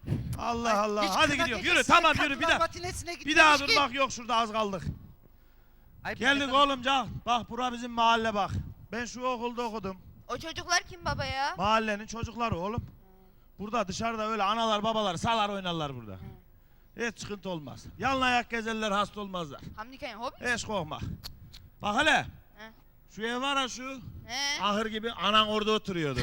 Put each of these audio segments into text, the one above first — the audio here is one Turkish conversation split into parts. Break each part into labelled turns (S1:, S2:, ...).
S1: Allah Allah.
S2: Hiç
S1: Hadi
S2: kına
S1: gidiyorum.
S2: gecesi
S1: Yürü tamam yürü bir
S2: kadınlar
S1: daha.
S2: matinesine
S1: Bir daha
S2: gitmemiş ki.
S1: durmak yok şurada az kaldık.
S2: Ay,
S1: Geldik
S2: baba.
S1: oğlum can. Bak bura bizim mahalle bak. Ben şu okulda okudum.
S3: O çocuklar kim baba ya?
S1: Mahallenin çocukları oğlum. Burada dışarıda öyle analar babalar salar oynarlar burada. Hiç sıkıntı olmaz. Yalın ayak gezerler hasta olmazlar.
S3: Hamdi Kayın hobi.
S1: Hiç korkma. Bak hele. Şu ev var ha şu.
S3: He.
S1: Ahır gibi anan orada oturuyordu.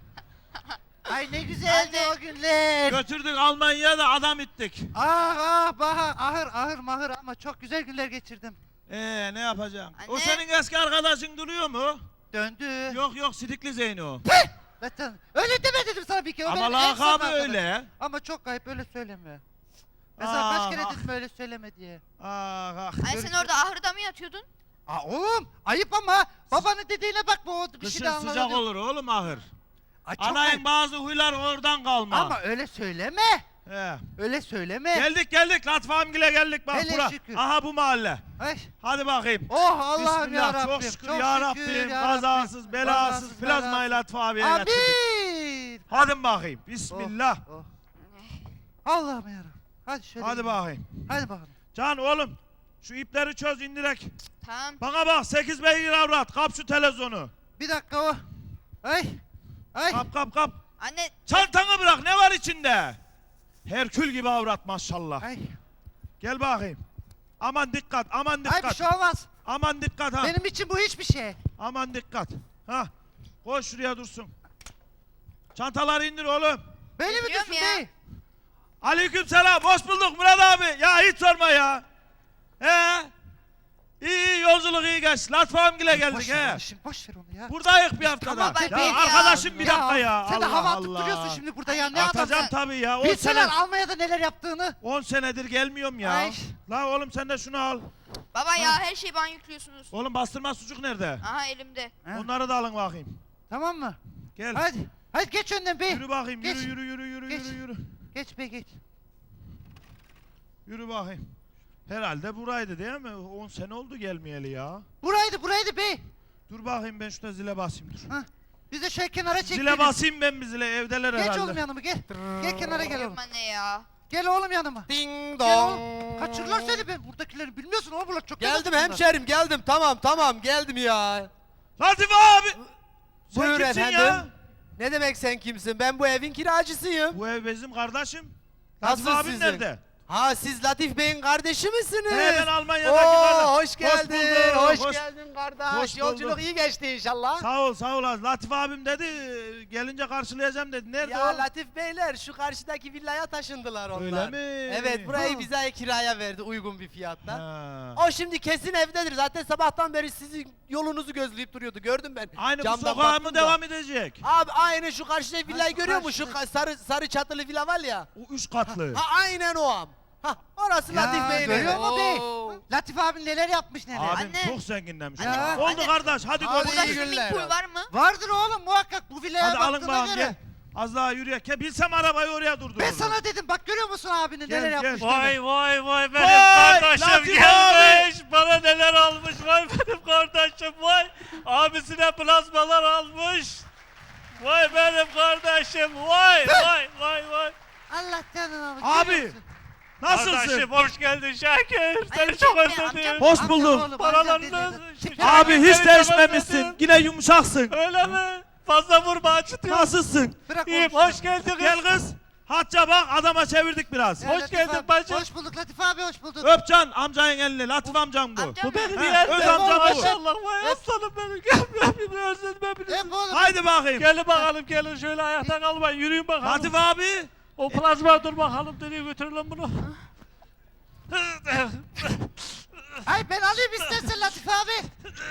S2: Ay ne güzeldi
S3: Anne.
S2: o günler.
S1: Götürdük Almanya'ya da adam ittik.
S2: Bahar, ahır mahır ama çok güzel günler geçirdim.
S1: Ne yapacağım? O
S3: Anne.
S1: senin eski arkadaşın duruyor mu?
S2: Döndü.
S1: Yok Sidikli Zeyno.
S2: Zaten öyle deme dedim sana bir kere. O
S1: Ama
S2: benim en son
S1: lakabı
S2: arkadaşım.
S1: öyle.
S2: Ama çok ayıp öyle söyleme. Mesela kaç kere
S1: Ah,
S2: dedim öyle söyleme diye.
S1: Ah.
S3: Ay sen orada ahırda mı yatıyordun?
S2: Oğlum ayıp ama babanın dediğine bak bu bir şey de
S1: Kışın sıcak
S2: anlamadım.
S1: olur oğlum ahır.
S2: Ay, çok
S1: Anayın
S2: ayıp.
S1: bazı huylar oradan kalma.
S2: Ama öyle söyleme.
S1: He.
S2: Öyle söyleme.
S1: Geldik Latif abimgile geldik bak
S2: Hele
S1: bura.
S2: şükür.
S1: Aha bu mahalle.
S2: Ay.
S1: Hadi bakayım.
S2: Oh Allah'ım
S1: Bismillah,
S2: ya Rabbim.
S1: çok şükür ya Rabbim. Kazasız, belasız, plazmayı Latif abiye getirdik.
S2: Amin.
S1: Hadi bakayım. Bismillah.
S2: Oh. Allah'ım ya Rabbim. Hadi şöyle.
S1: Hadi
S2: gidelim.
S1: bakayım.
S2: Hadi bakalım.
S1: Can oğlum şu ipleri çöz indirek.
S3: Tamam.
S1: Bana bak 8 beygir avrat kap şu televizyonu.
S2: Bir dakika o. Ay. Ay.
S1: Kap.
S3: Anne
S1: Çantanı bırak ne var içinde? Herkül gibi avrat maşallah.
S2: Ay.
S1: Gel bakayım. Aman dikkat
S2: Ay bir
S1: dikkat.
S2: şey olmaz.
S1: Aman dikkat ha.
S2: Benim için bu hiçbir şey.
S1: Aman dikkat. Ha. Koy şuraya dursun. Çantaları indir oğlum.
S2: Beni mi
S3: Biliyorum
S2: düşün
S3: ya.
S2: bey?
S1: Aleyküm selam. Hoş bulduk Murat abi. Ya hiç sorma ya. He. İyi yolculuk iyi geçti. Latif abimgile geldik
S2: Boş ver
S1: he.
S2: onu şimdi, boş ver onu ya.
S1: Buradayız bir haftada.
S2: Tamam,
S3: ben
S1: ya
S3: ya.
S1: arkadaşım bir dakika ya.
S2: Sen de
S1: Allah
S2: hava atıp
S1: Allah.
S2: duruyorsun şimdi burada ya. Ne
S1: Atacağım
S2: adamsın?
S1: tabii ya. 10
S2: Bilseler
S1: sene,
S2: Almanya'da neler yaptığını.
S1: 10 senedir gelmiyorum ya.
S2: Ay.
S1: La oğlum sen de şunu al.
S3: baba ya her şeyi bana yüklüyorsunuz.
S1: Oğlum bastırma sucuk nerede?
S3: Aha elimde.
S2: Ha.
S1: Onları da alın bakayım.
S2: Tamam mı?
S1: Gel.
S2: Hadi. Hadi geç önden bey.
S1: Yürü bakayım.
S2: Geç.
S1: Yürü.
S2: Geç. Geç bey geç.
S1: Yürü bakayım. Herhalde buraydı değil mi? 10 sene oldu gelmeyeli ya.
S2: Buraydı bey.
S1: Dur bakayım ben şurada zile basayım dur.
S2: Ha. Biz de şöyle kenara çekelim.
S1: Zile basayım ben bir zile evdeler
S2: Geç
S1: herhalde.
S2: oğlum yanıma gel. Gel kenara gel oğlum.
S3: Yapma ne ya.
S2: Gel oğlum yanıma.
S4: Ding
S2: Gel
S4: dong.
S2: oğlum. Kaçırırlar seni ben buradakileri bilmiyorsun oğlum bunlar çok
S4: Geldim
S2: yabancı
S4: hemşerim geldim tamam geldim ya.
S1: Latif abi! Sen
S4: Buyur
S1: kimsin
S4: efendim.
S1: ya?
S4: Ne demek sen kimsin? Ben bu evin kiracısıyım.
S1: Bu ev bizim kardeşim.
S4: Nasıl
S1: Latif abin
S4: sizin?
S1: nerede?
S4: Ha siz Latif Bey'in kardeşi misiniz?
S1: He, ben Almanya'daki
S4: Oo,
S1: kardeşim.
S4: hoş geldin.
S1: bulduk,
S4: Hoş geldin kardeş.
S1: hoş
S4: Yolculuk
S1: bulduk.
S4: iyi geçti inşallah.
S1: Sağ ol. Latif abim dedi gelince karşılayacağım dedi. Nerede
S4: Ya
S1: o?
S4: Latif Beyler şu karşıdaki villaya taşındılar onlar.
S1: Öyle mi?
S4: Evet burayı
S2: Ha.
S4: bize kiraya verdi uygun bir fiyatla.
S1: Ha.
S4: O şimdi kesin evdedir. Zaten sabahtan beri sizin yolunuzu gözleyip duruyordu. Gördüm ben.
S1: Aynı bu
S4: Camdan
S1: sokağa
S4: baktım
S1: mı
S4: da.
S1: devam edecek?
S4: Abi aynı şu karşıdaki villayı
S2: şu
S4: görüyor musun? Şu
S2: karşıdaki.
S4: sarı çatılı villa var ya.
S1: O 3 katlı.
S4: Ha aynen o am. Ha orası Latif
S2: Ya
S4: Bey'in
S2: görüyor
S4: evi.
S2: musun bey?
S4: Oo.
S2: Latif abin neler yapmış neler.
S1: Abim
S3: Anne.
S1: çok zenginlemiş.
S2: Ya.
S1: Oldu
S3: Anne.
S1: kardeş hadi
S4: Hadi
S1: görüşürüz.
S3: Burada
S4: iyi
S3: swimming
S4: günler
S3: pool
S4: abi.
S3: var mı?
S2: Vardır oğlum muhakkak bu villaya
S1: Hadi alın
S2: baktığına
S1: bakalım
S2: göre.
S1: gel. Az daha yürüyek. Bilsem arabayı oraya durdururdum.
S2: Ben sana dedim bak görüyor musun abinin
S1: Gel,
S2: neler
S1: gel.
S2: yapmış.
S5: Vay benim
S1: Vay,
S5: kardeşim
S1: Latif
S5: gelmiş. Bana neler almış vay benim kardeşim vay. Abisine plazmalar almış. Vay benim kardeşim vay.
S2: Allah canına bak.
S1: Abi,
S2: görüyor musun?
S1: Nasılsın?
S5: Kardeşim hoş geldin Şakir. Seni
S3: amcam
S5: çok
S3: ne,
S5: özledim.
S3: amcam?
S1: Hoş
S2: Amcam
S1: bulduk.
S2: oğlum,
S5: Paralarını
S2: amcam dedi.
S1: Abi hiç
S5: Seni
S1: değişmemişsin.
S5: çok özledim.
S1: Yine yumuşaksın.
S5: Öyle mi? Fazla vurma acıtıyor.
S1: Nasılsın?
S2: Bırak
S5: İyiyim
S2: oğlum.
S5: hoş geldin kız.
S1: Gel kız. Hatça bak adama çevirdik biraz.
S2: Ya
S5: Hoş
S2: Latif
S5: geldin
S2: abi,
S5: bacım.
S2: Hoş bulduk Latif abi hoş bulduk.
S1: Öpcan amcanın elini. Latif amcam bu.
S3: Amcam
S5: Bu benim
S1: He,
S5: yeğenim.
S1: öz amcam bu.
S5: Maşallah vay aslanım benim. Gel bir özledim hepinizi.
S2: Hep oğlum.
S1: Haydi bakayım.
S5: Gelin bakalım gelin şöyle ayakta kalmayın yürüyün bakalım.
S1: Latif abi.
S5: O plazma dur bakalım nereye götürelim bunu.
S2: Ay ben alayım istersen Latif abi.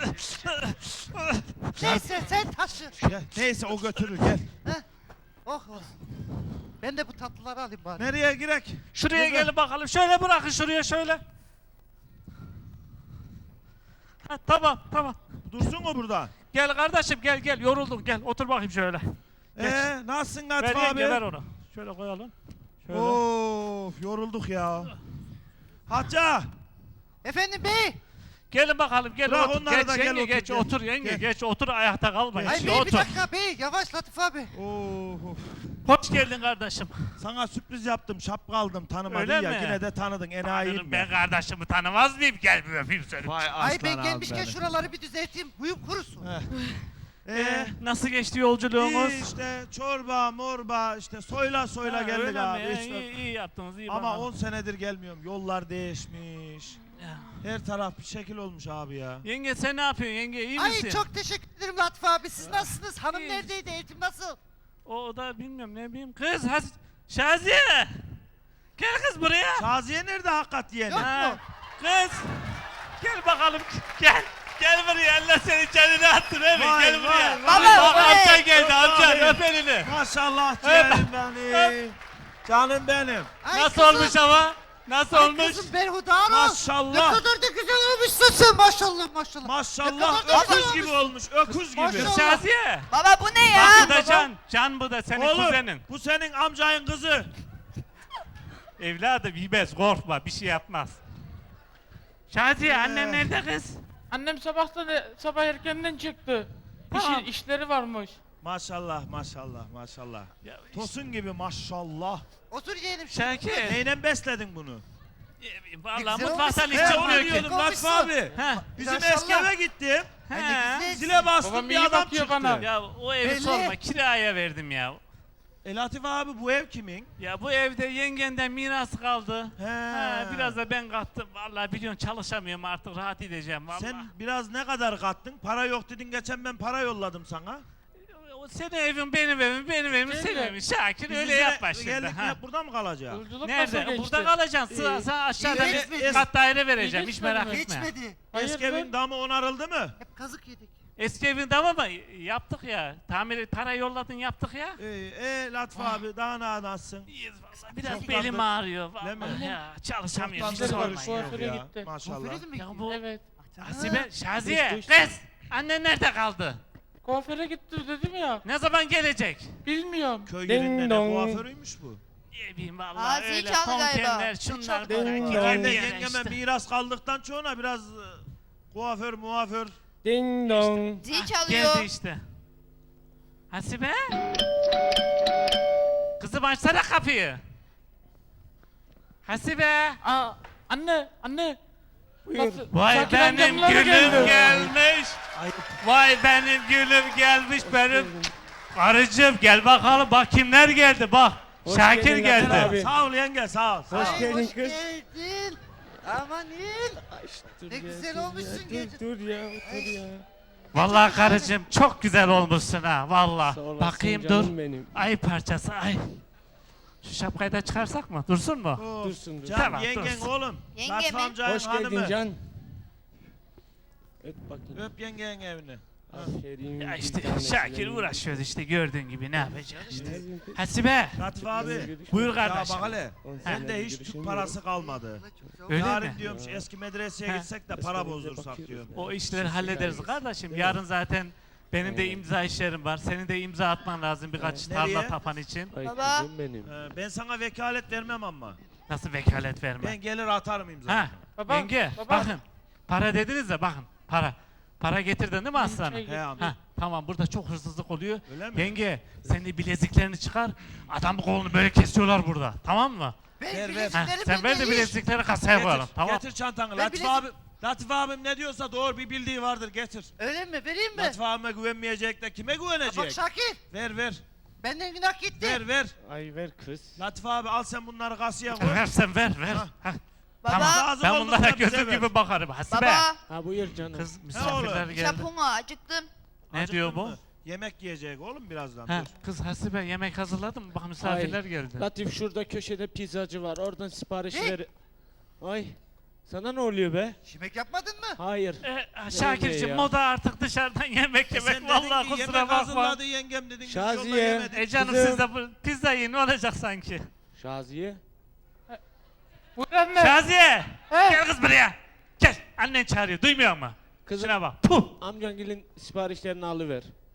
S2: Neyse sen taşı.
S1: Gel, neyse o götürür gel.
S2: Oh olsun. Ben de bu tatlıları alayım bari.
S1: Nereye girek?
S5: Şuraya
S1: Güzel.
S5: gelin bakalım. Şöyle bırakın şuraya şöyle. Ha, tamam.
S1: Dursun o burada.
S5: Gel kardeşim gel yoruldun gel otur bakayım şöyle.
S1: Nasılsın
S5: Ver
S1: Latif
S5: yenge ver
S1: abi?
S5: onu. Şöyle koyalım. Şöyle.
S1: Of yorulduk ya. Hatça.
S2: Efendim bey.
S5: Gelin bakalım gelin
S1: Bırak
S5: otur.
S1: onları
S5: Geç
S1: da, gel
S5: yenge
S1: otur,
S5: geç
S1: gel.
S5: otur yenge
S1: Gel.
S5: geç otur ayakta kalma.
S2: Ay
S5: Geç,
S2: bey bir
S5: otur.
S2: dakika bey yavaş Latif abi.
S1: Oo.
S5: Hoş geldin kardeşim.
S1: Sana sürpriz yaptım, şapka aldım, tanımadın
S5: Öyle
S1: ya.
S5: mi?
S1: Yine de tanıdın, enayiyim
S5: Tanırım,
S1: ya.
S5: ben kardeşimi tanımaz mıyım? Gel bir öpeyim seni.
S1: Vay
S2: Ay
S1: aslan
S2: ben
S1: abi
S2: gelmişken
S1: benim.
S2: şuraları bir düzelteyim. Huyum kurusun.
S5: Nasıl geçti yolculuğumuz?
S1: İyi işte çorba, morba, işte soyla
S5: Ha,
S1: geldik
S5: öyle
S1: abi.
S5: mi?
S1: işte.
S5: İyi yaptınız iyi
S1: Ama
S5: bakalım.
S1: 10 senedir gelmiyorum. Yollar değişmiş.
S5: Ya.
S1: Her taraf bir şekil olmuş abi ya.
S5: Yenge sen ne yapıyorsun yenge iyi
S2: Ay
S5: misin?
S2: çok teşekkür ederim Latif abi. Siz nasılsınız? Hanım
S5: İyi.
S2: neredeydi? Eğitim nasıl?
S5: O da bilmiyorum ne bileyim. Kız Şaziye. Gel kız buraya.
S1: Şaziye nerede hakikat yeni?
S2: Yok.
S5: Ha, kız. Gel bakalım gel. Gel buraya Allah seni canını attın öyle
S1: Vay,
S5: gel buraya.
S1: vay,
S3: vay.
S5: Bak
S3: Baba,
S5: amcan geldi
S1: öp
S5: amcan
S1: abi.
S5: öp elini.
S1: Maşallah canım benim. Canım benim.
S2: Ay
S5: Nasıl
S2: kızım,
S5: olmuş ama? Nasıl
S2: ay
S5: olmuş?
S2: Kızım berhudar ol. Ne
S1: Maşallah.
S2: kadar da güzel olmuşsun sen maşallah maşallah.
S1: Maşallah
S2: Ne kadar da
S1: öküz
S2: güzel
S1: gibi olmuş. Öküz gibi.
S2: Maşallah.
S5: Şaziye.
S3: Baba bu ne ya?
S5: Bak bu da Can. Can bu da senin
S1: Oğlum
S5: kuzenin.
S1: bu senin amcayın kızı.
S5: Evladım yemez korkma bir şey yapmaz. Şaziye annen nerede kız?
S6: Annem sabah erkenden çıktı.
S5: Tamam.
S6: İşleri varmış.
S1: Maşallah maşallah maşallah.
S5: Ya,
S1: Tosun gibi maşallah.
S2: Otur yiyelim.
S5: Şakir.
S1: Neyle besledin bunu?
S5: Vallahi
S2: Güzel
S5: mutfaktan hiç
S2: olmuş.
S1: He onu
S5: çıkmıyor ki.
S1: diyordum Latif abi.
S5: Ha.
S1: Bizim
S2: Maşallah.
S1: eski eve gittim.
S5: He.
S2: güzel.
S1: Zile bastım
S6: Babam
S1: bir
S6: iyi
S1: adam
S6: bakıyor
S1: çıktı.
S6: bana.
S5: Ya o evi
S2: Belli.
S5: sorma kiraya verdim ya.
S1: Latif abi bu ev kimin?
S5: Ya bu evde yengenden miras kaldı.
S1: He.
S5: Ha, biraz da ben kattım. Vallahi biliyorsun çalışamıyorum artık rahat edeceğim vallahi.
S1: Sen biraz ne kadar kattın? Para yok dedin geçen ben para yolladım sana.
S5: O senin evin benim evim benim evim senin evin. Şakir
S1: Biz
S5: öyle
S1: bize
S5: yapma şimdi.
S1: Geldik
S5: Ha.
S1: hep burada mı kalacak?
S6: Yolculuk
S5: Nerede?
S6: nasıl geçti?
S5: Burada kalacaksın. Sana aşağıda
S2: İyi
S5: bir
S2: geçmedi.
S5: kat daire vereceğim.
S6: İyi
S5: Hiç merak
S6: geçmedi
S5: etme.
S2: Geçmedi.
S1: Eski evin damı onarıldı mı?
S2: Hep kazık yedik.
S5: Eski evin tamam mı? Yaptık ya. Tamir para yolladın yaptık ya.
S1: Latif abi daha ne anlatsın?
S5: İyiyiz vallahi. Biraz
S1: Çok
S5: belim
S1: tatlı.
S5: ağrıyor.
S1: Değil mi?
S5: Vallahi ya. Çalışamıyorum. Hiç
S6: Çok tatlı.
S5: sorma ya.
S6: Kuaföre gitti.
S1: Maşallah.
S2: Kuaföre mi
S5: Ya
S2: gittin?
S5: bu
S6: Evet.
S5: Hasibe, Şaziye,
S6: Düştü.
S5: kız. Annen nerede kaldı?
S6: Kuaföre gitti dedim ya.
S5: Ne zaman gelecek?
S6: Bilmiyorum.
S1: Köy
S6: Ding
S1: yerinde ne
S6: dong.
S1: kuaförüymüş bu?
S5: Ne bileyim
S3: Aa,
S5: vallahi
S3: zil
S5: öyle
S3: çaldı galiba.
S5: konkenler,
S3: Zil
S5: şunlar
S3: çaldı.
S5: bunlar.
S6: Ding
S5: gider
S6: dong.
S1: Ben de
S5: bir yere
S1: yengeme
S5: işte.
S1: miras kaldıktan sonra biraz kuaför muaför.
S6: Ding dong.
S3: Zil çalıyor.
S5: Geldi işte. Hasibe. Kızım açsana kapıyı. Hasibe.
S6: Aa, anne. Nasıl?
S5: Vay
S6: Şakir
S5: benim
S6: amcamlar
S5: gülüm
S6: geldi.
S5: gelmiş. Vay benim gülüm gelmiş benim. Karıcığım gel bakalım bak kimler geldi bak. Şakir
S7: geldin
S5: geldi.
S7: Hasan abi.
S1: Sağ ol yenge sağ ol. Sağ ol.
S7: Hoş
S2: Ay,
S7: geldin
S2: hoş
S7: kız.
S2: geldin. Amanin.
S7: Dur
S2: Ne
S7: ya,
S2: güzel
S7: dur
S2: olmuşsun
S7: ya,
S2: gece.
S7: Dur ya, otur ya.
S5: Vallahi karıcığım çok güzel olmuşsun ha vallahi.
S7: Sağ olasın
S5: Bakayım
S7: canım
S5: dur.
S7: benim.
S5: Ay parçası ay. Şu şapkayı da çıkarsak mı? Dursun mu?
S1: Of,
S7: Dursun, dur.
S1: Can
S5: Tamam,
S1: yengen
S5: dursun.
S1: oğlum.
S3: Yenge
S1: Latif
S3: mi?
S1: amcayın
S7: Hoş geldin
S1: hanımı.
S7: Can. Öp bakayım.
S1: Öp yengenin evini.
S7: Aferin.
S5: Ya
S7: bir
S5: işte
S7: tanesi
S5: Şakir
S7: benim.
S5: uğraşıyoruz işte gördüğün gibi ne yapacağız işte.
S7: Ne yapayım kız?
S5: Hasibe
S1: Latif abi.
S5: buyur
S1: Ya
S5: kardeşim.
S1: bak hele.
S7: On
S1: Bende
S7: senedir
S1: hiç Türk
S7: görüşemiyorum.
S1: parası kalmadı.
S5: Öyle
S1: Yarın
S5: mi?
S1: diyorum şu eski medreseye
S5: Ha.
S1: gitsek de
S7: Eski
S1: para
S7: medreseye
S1: bozdursak
S7: bakıyoruz
S1: diyorum.
S7: ya.
S5: O işleri hallederiz kardeşim.
S7: Değil mi?
S5: Yarın zaten benim de imza işlerim var. Senin de imza atman lazım birkaç
S1: Nereye?
S5: tarla tapan için.
S7: Ay
S3: Baba.
S7: kızım benim.
S1: Ben sana vekalet vermem ama.
S5: Nasıl vekalet verme?
S1: Ben gelir atarım imzayı.
S5: Ha,
S6: Baba,
S5: yenge
S6: baba.
S5: bakın. Para dediniz de bakın para. Para getirdin değil mi aslanım?
S6: Şey-
S1: He amca.
S5: Ha, tamam burada çok hırsızlık oluyor.
S1: Öyle mi?
S5: Yenge sen de bileziklerini çıkar. Adam kolunu böyle kesiyorlar burada. Tamam mı?
S2: Ben
S1: Ver, ver.
S5: Ha,
S2: bileziklerim
S5: sen ver de
S2: bende hiç.
S5: bilezikleri kasaya koyalım.
S1: Getir,
S5: Tamam.
S1: getir çantanı.
S2: Ben
S1: Latif
S2: bilezik-
S1: abi. Latif abim ne diyorsa doğru bir bildiği vardır getir.
S2: Öyle mi? Vereyim mi?
S1: Latif abime güvenmeyecek de kime
S2: Bak
S1: güvenecek?
S2: Şakir.
S1: Ver ver.
S2: Benden günah gitti.
S1: Ver.
S7: Ay ver kız.
S1: Latif abi al sen bunları kasaya koy.
S5: Ver sen ver ver.
S1: Ha.
S5: Ha,
S3: Baba.
S5: Tamam.
S1: Lazım
S5: Ben
S1: oldukça
S5: bunlara
S1: bize
S5: gözüm
S1: ver.
S5: gibi bakarım. Hasibe.
S3: Baba.
S7: Ha buyur canım.
S5: Kız misafirler geldi.
S3: Şapuma acıktım.
S5: Ne
S1: Acıktın
S5: diyor bu?
S1: mı? Yemek yiyecek oğlum birazdan.
S5: Ha,
S1: Dur.
S5: kız Hasibe yemek hazırladın mı? Bak misafirler
S7: Ay,
S5: geldi.
S7: Latif şurada köşede pizzacı var. Oradan sipariş
S2: Ne?
S7: ver. Ay. Sana ne oluyor be?
S2: Yemek yapmadın mı?
S7: Hayır.
S5: Şakir'cim
S7: ya?
S5: moda artık dışarıdan yemek
S1: Sen
S5: yemek.
S1: dedin
S5: Vallahi
S1: ki
S5: kusura
S1: yemek
S5: bakma.
S1: hazırladı yengem dedin. biz yolda
S7: Şaziye.
S1: yemedik.
S5: Canım
S7: Kızım.
S5: siz de bu pizza yiyin ne olacak sanki?
S7: Şaziye.
S6: Buyur anne.
S5: Şaziye!
S6: He.
S5: Gel kız buraya. Gel. Annen çağırıyor. Duymuyor mu?
S7: Kızım
S5: Şuna bak. Puh.
S7: amcangilin siparişlerini alıver.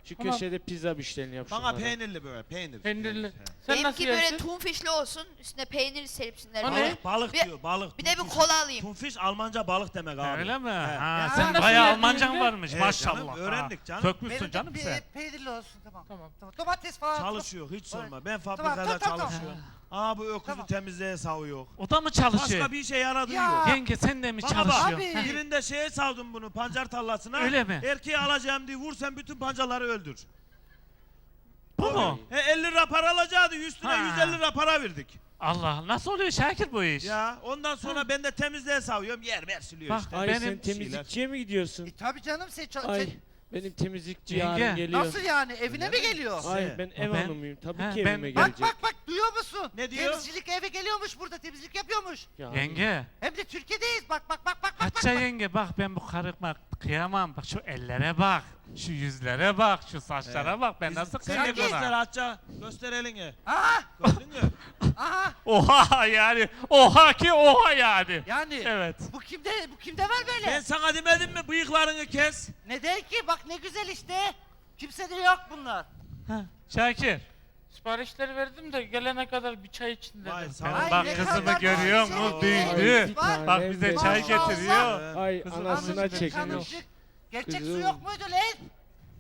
S7: Şu
S6: Tamam.
S7: köşede pizza müşterini yap
S1: Bana
S7: şunlara.
S1: peynirli böyle peynir.
S6: Peynirli.
S1: He.
S6: Sen nasıl
S3: Benimki böyle
S6: yersin?
S3: tunfişli olsun. Üstüne peynir serpsinler.
S6: O
S3: böyle.
S6: ne?
S1: Balık
S3: Bir-
S1: diyor balık.
S3: Bir de bir
S1: tunfiş.
S3: kola alayım.
S1: Tunfiş Almanca balık demek abi.
S5: Öyle mi?
S1: He.
S5: Ha,
S2: Ya,
S5: sen
S6: nasıl
S5: bayağı
S6: yedin
S5: Almancan
S6: be?
S5: varmış
S1: Evet
S5: maşallah.
S1: canım, öğrendik canım.
S5: Sökmüşsün
S2: Benim
S5: canım
S2: bir
S5: sen.
S2: peynirli olsun tamam.
S6: Tamam.
S2: Domates falan.
S1: Çalışıyor hiç sorma. Ben
S2: Tamam,
S1: fabrikada
S2: tamam.
S1: çalışıyorum. Aa bu öküzü
S2: Tamam.
S1: temizliğe savuyor.
S5: O da mı çalışıyor?
S1: Başka bir işe yaradığı
S2: Ya.
S1: yok.
S5: Yenge sen de mi
S1: Bana bak,
S5: çalışıyorsun?
S2: abi.
S1: Birinde şeye savdum bunu pancar tarlasına.
S5: Öyle mi?
S1: Erkeği alacağım diye vur sen bütün pancarları öldür.
S5: Bu mu?
S1: 50 lira para alacaktı üstüne
S5: Ha.
S1: 150 lira para verdik.
S5: Allah nasıl oluyor Şakir bu iş?
S1: Ya ondan sonra ben de temizliğe savuyorum yer siliyor
S5: Bak,
S1: işte.
S7: Ay
S5: Benim
S7: sen
S1: şeyler.
S7: temizlikçiye mi gidiyorsun?
S2: Tabii canım
S7: Ay benim temizlikçi
S5: Yenge.
S7: yarın geliyor.
S2: Nasıl yani evine
S1: Öyle
S2: mi
S1: mi?
S2: geliyor?
S7: Ay ben ev
S5: Ben-
S7: hanımıyım tabii
S5: He,
S7: ki
S5: ben-
S7: evime
S2: Bak
S7: gelecek.
S2: bak duyuyor musun?
S1: Ne diyor?
S2: Temizcilik eve geliyormuş burada temizlik yapıyormuş.
S7: Ya,
S5: Yenge.
S2: Hem de Türkiye'deyiz bak.
S5: Hatice yenge bak ben bu karıma kıyamam. Bak şu ellere bak. Şu yüzlere bak. Şu saçlara bak. Ben nasıl
S1: Sen de
S5: kıyamam
S1: göster
S5: ona?
S1: Hatça. Göster elini.
S2: Aha
S1: Gördün mü?
S2: aha
S5: Oha yani. Oha ki oha yani.
S2: yani
S5: Evet.
S2: bu kimde var böyle?
S1: Ben sana demedim mi bıyıklarını kes?
S2: Neden ki bak ne güzel işte. Kimsede yok bunlar.
S5: Ha, Şakir.
S6: Siparişleri verdim de gelene kadar bir çay için dedim.
S1: Vay sağ
S5: Ben
S1: ol.
S2: Ay,
S5: bak
S2: ne
S5: kızımı
S2: kadar
S5: görüyor
S2: güzel.
S5: musun?
S1: Ay,
S5: Büyüdü.
S7: bir
S2: Bak,
S5: Bak bize
S7: benim.
S5: çay
S2: Maşallah.
S5: getiriyor.
S7: Ay
S5: Kızım,
S7: anasına
S2: Hanımcık,
S7: çekmiş.
S2: hanımcık. Gerçek su
S7: Kızım.
S2: yok muydu lan?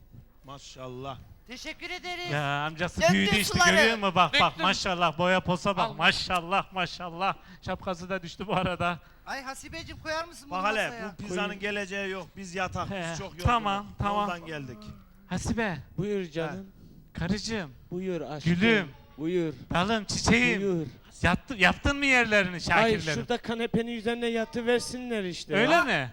S1: Maşallah.
S2: Teşekkür ederiz.
S5: Ya amcası
S3: Döktün
S5: büyüdü işte
S3: suları.
S5: görüyor musun? Bak bak
S6: Döktüm.
S5: maşallah boya posa bak
S6: Al.
S5: maşallah maşallah. Şapkası da düştü bu arada.
S2: Ay Hasibeciğim koyar mısın bunu
S1: Bak hele
S2: masaya?
S1: bu pizzanın geleceği yok. Biz yatak.
S5: He,
S1: Biz çok yorgunuz.
S5: tamam, tamam.
S1: Yoldan geldik.
S5: Hasibe,
S7: Buyur canım.
S5: karıcığım,
S7: Buyur aşkım.
S5: Gülüm.
S7: Buyur.
S5: dalım, çiçeğim.
S7: Buyur.
S5: Yaptın mı yerlerini
S7: Ay
S5: Şakirlerin?
S7: şurada kanepenin üzerine yatıversinler işte.
S5: Öyle
S7: ya.
S5: mi?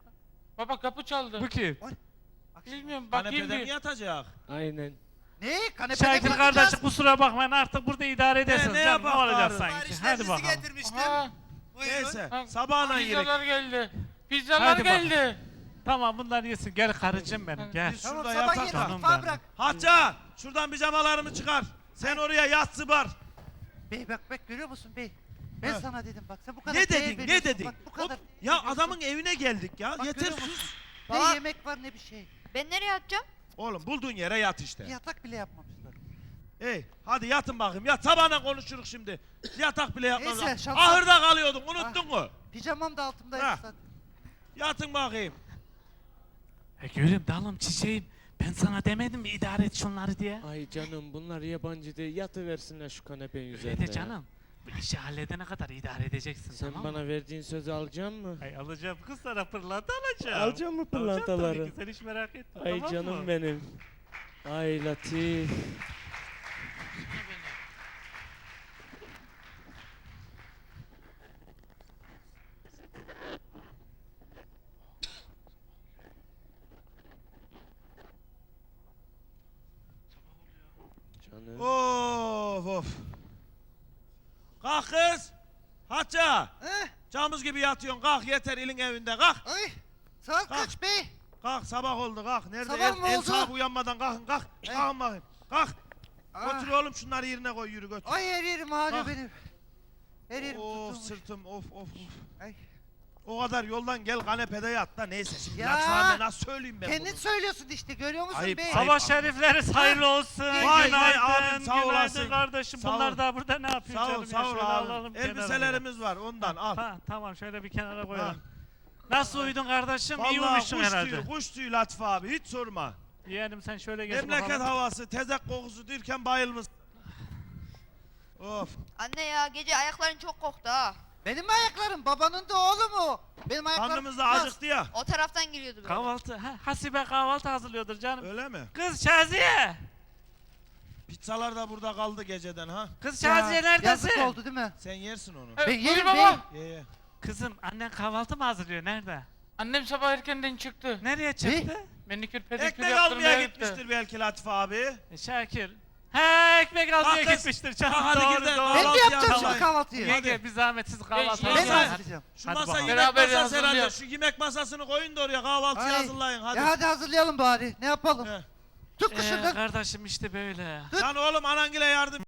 S6: Baba kapı çaldı.
S5: Bu kim?
S6: Bilmiyorum bakayım
S1: Kanepede mi
S6: bir.
S1: yatacak?
S7: Aynen.
S2: Ne? Kanepede mi
S5: Şakir
S2: yatacağız?
S5: kardeşim kusura bakmayın artık burada idare edersiniz.
S1: ne
S5: canım, ne
S1: yapalım
S5: olacak
S1: bari?
S5: sanki? Hadi bakalım.
S2: getirmiştim.
S6: Aha,
S1: Neyse.
S6: Ha,
S1: Sabahla yiyek.
S6: pizzalar geldi. Pizzalar
S5: Hadi bakalım.
S6: geldi.
S5: Tamam bunlar yesin. Gel karıcığım benim gel.
S1: Biz
S2: Tamam
S1: şurada
S2: sabah
S1: yatak.
S2: yemek
S5: canım
S2: mutfağa
S5: benim.
S2: bırak.
S1: Hatça şuradan pijamalarımı çıkar. Sen oraya yat zıbar.
S2: Bey bak görüyor musun bey? Ben
S1: Ha.
S2: sana dedim bak sen bu kadar
S1: Ne
S2: değer
S1: dedin? Ne
S2: veriyorsun,
S1: dedin?
S2: Bak bu kadar.
S1: Ya
S2: veriyorsun.
S1: adamın evine geldik ya.
S2: Bak,
S1: Yeter
S2: görüyor musun?
S1: sus.
S2: Ne
S3: Bak.
S2: yemek var ne bir şey.
S3: Ben nereye atacağım?
S1: Oğlum bulduğun yere yat işte.
S2: Bir yatak bile yapmamışlar.
S1: Hey hadi yatın bakayım. Yat sabahına konuşuruz şimdi. Yatak bile yapmaz.
S2: Neyse, şapka-
S1: Ahırda kalıyordun unuttun mu?
S2: Pijamam da altımdaydı
S1: Ha.
S2: zaten.
S1: Yatın bakayım.
S5: Gülüm dalım çiçeğim. Ben sana demedim mi idare et şunları diye?
S7: Ay canım bunlar yabancı değil. Yatıversinler şu kanepenin
S5: Öyle
S7: üzerine.
S5: de
S7: ya.
S5: canım. Bu işi halledene kadar idare edeceksin
S7: Sen
S5: tamam mı?
S7: bana verdiğin sözü alacak mı?
S5: Ay alacağım kız sana pırlanta alacağım.
S7: Alacağım mı
S5: Alacağım
S7: pırlantaları?
S5: tabii ki, sen hiç merak etme
S7: Ay
S5: tamam
S7: canım
S5: mı?
S7: benim. Ay Latif. Canım.
S1: Of of. Kalk kız. Hatça.
S2: Eh,
S1: Camız gibi yatıyorsun. Kalk yeter ilin evinde. Kalk.
S2: ay. Saat
S1: Kalk.
S2: kaç bey?
S1: Kalk sabah oldu kalk. Nerede
S2: Sabah mı
S1: el
S2: oldu?
S1: sahibi uyanmadan kalkın kalk.
S2: Eh.
S1: Kalkın bakayım. Kalk.
S2: Ah.
S1: Götür oğlum şunları yerine koy yürü götür.
S2: Ay her yerim ağrıyor
S1: Ah.
S2: benim. Her yerim
S1: Of
S2: tutulmuş.
S1: sırtım of of.
S2: Ay.
S1: O kadar yoldan gel kanepede yat da neyse şimdi
S2: Ya.
S1: Latifahane nasıl söyleyeyim ben
S2: Kendin
S1: bunu?
S2: söylüyorsun işte görüyor musun
S1: Ayıp,
S2: bey?
S1: ayıp.
S5: Sabah şerifleri hayırlı olsun.
S1: Vay,
S5: günaydın,
S1: abim, sağ
S5: günaydın
S1: olasın.
S5: kardeşim.
S1: Sağ
S5: Bunlar
S1: ol.
S5: da burada ne yapıyor
S1: Sağ ol
S5: canım
S1: sağ
S5: ya?
S1: ol
S5: Şöyle
S1: abi.
S5: alalım kenara.
S1: Elbiselerimiz var ondan al.
S5: Ha, tamam şöyle bir kenara koyalım. Nasıl uyudun kardeşim? İyi
S1: Vallahi
S5: uyumuşsun
S1: kuş
S5: herhalde.
S1: tüyü, kuş tüyü Latif abi hiç sorma.
S5: Yeğenim sen şöyle geç
S1: Memleket
S5: bakalım.
S1: havası, tezek kokusu derken bayılmış. Of.
S3: Anne ya gece ayakların çok koktu ha.
S2: Benim ayaklarım babanın da oğlu mu? Benim ayaklarım
S1: Karnımız da
S2: tutmaz.
S1: acıktı ya.
S3: O taraftan giriyordu böyle.
S5: Kahvaltı. Ha, Hasibe kahvaltı hazırlıyordur canım.
S1: Öyle mi?
S5: Kız Şaziye.
S1: Pizzalar da burada kaldı geceden ha.
S5: Kız
S2: Ya,
S5: Şaziye neredesin?
S2: Yazık oldu değil mi?
S1: Sen yersin onu.
S6: Evet,
S2: Ben
S6: buyur
S2: yerim
S6: baba.
S2: bey.
S1: Ye ye.
S5: Kızım annen kahvaltı mı hazırlıyor? Nerede?
S6: Annem sabah erkenden çıktı.
S5: Nereye çıktı?
S6: Manikür pedikür
S1: Ekmek
S6: yaptırmaya
S1: almaya
S6: gitti.
S1: gitmiştir belki Latif abi.
S5: Şakir. He ekmek almaya
S1: Kalk kız.
S5: gitmiştir canım.
S1: Kalk hadi
S5: doğru
S1: gir de
S5: doğru.
S2: Ben mi
S1: Kahvaltı
S2: yapacağım
S1: yapalım.
S2: şimdi kahvaltıyı?
S5: Yenge bir zahmetsiz kahvaltı
S6: Ben
S2: Ben mi
S1: Mesela-
S2: hazırlayacağım?
S1: Şu
S5: Hadi
S1: masa
S5: bakalım.
S1: yemek
S6: Beraber
S1: masası herhalde.
S6: hazırlayalım.
S1: Şu yemek masasını koyun da oraya kahvaltıyı
S2: Ay.
S1: hazırlayın hadi.
S2: Ya hadi hazırlayalım bari. Ne yapalım?
S1: He.
S2: Tut kışından.
S5: Kardeşim işte böyle.
S1: Lan oğlum anangile yardım